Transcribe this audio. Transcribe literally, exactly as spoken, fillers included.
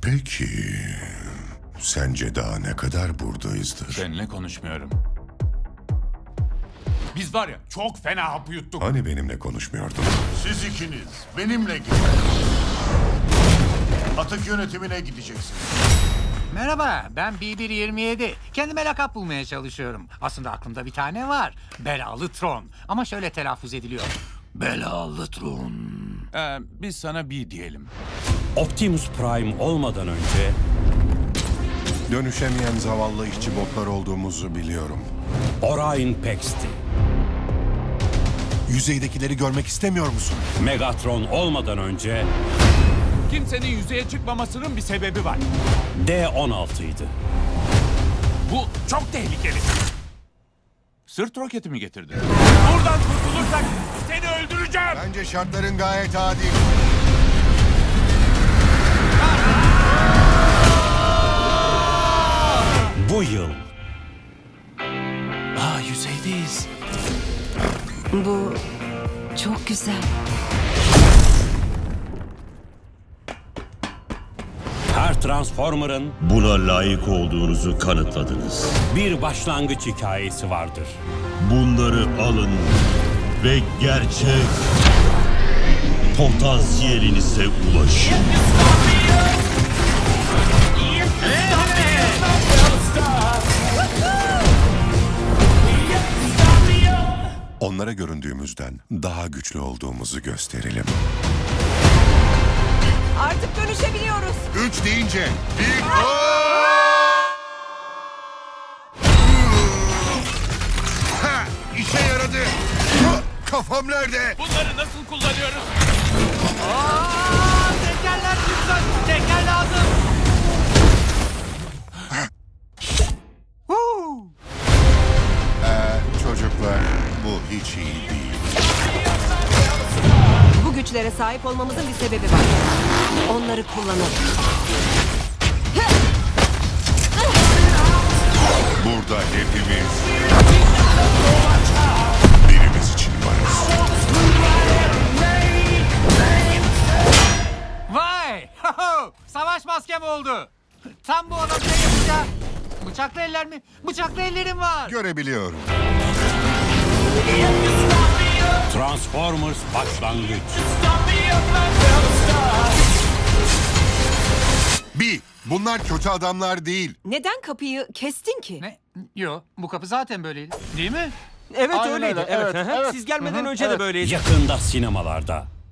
Peki, sence daha ne kadar buradayızdır? Seninle konuşmuyorum. Biz var ya çok fena hapı yuttuk. Hani benimle konuşmuyordun? Siz ikiniz benimle gidin. Atık yönetimine gideceksiniz. Merhaba, ben B bir yirmi yedi. Kendime lakap bulmaya çalışıyorum. Aslında aklımda bir tane var. Belalı Tron. Ama şöyle telaffuz ediliyor. Belalı Tron. Ee, biz sana bir diyelim. Optimus Prime olmadan önce Dönüşemeyen zavallı işçi botlar olduğumuzu biliyorum. Orion Pax'ti. Yüzeydekileri görmek istemiyor musun? Megatron olmadan önce Kimsenin yüzeye çıkmamasının bir sebebi var. D on altıydı. Bu çok tehlikeli. Sırt roketi mi getirdin? Buradan kurtulursak seni öldüreceğim. Bence şartların gayet adil. Bu yıl Aa, yüzeydeyiz. Bu çok güzel. her Transformer'ın Buna layık olduğunuzu kanıtladınız. bir başlangıç hikayesi vardır. Bunları alın ve gerçek potansiyelinize ulaşın. Onlara göründüğümüzden daha güçlü olduğumuzu gösterelim. Artık dönüşebiliyoruz. Üç deyince bir... Ha, işe yaradı. Ha, kafam nerede? Bunları nasıl kullanıyoruz? Aa, tekerler lütfen. Teker lazım. Huu. Ee, çocuklar, bu hiç iyi değil. Bu güçlere sahip olmamızın bir sebebi var. Onları kullanalım. Burada hepimiz birimiz için varız. Vay! Savaş maskem oldu. Tam bu adam ne yapacak? Bıçaklı eller mi? Bıçaklı ellerim var. Görebiliyorum. Transformers başlangıç. Bir, bunlar kötü adamlar değil. Neden kapıyı kestin ki? Ne? Yo, bu kapı zaten böyleydi. Değil mi? Evet Aynen öyleydi. öyle, Evet. evet, hı hı. evet. Siz gelmeden Hı hı, önce de evet. böyleydi. Yakında sinemalarda.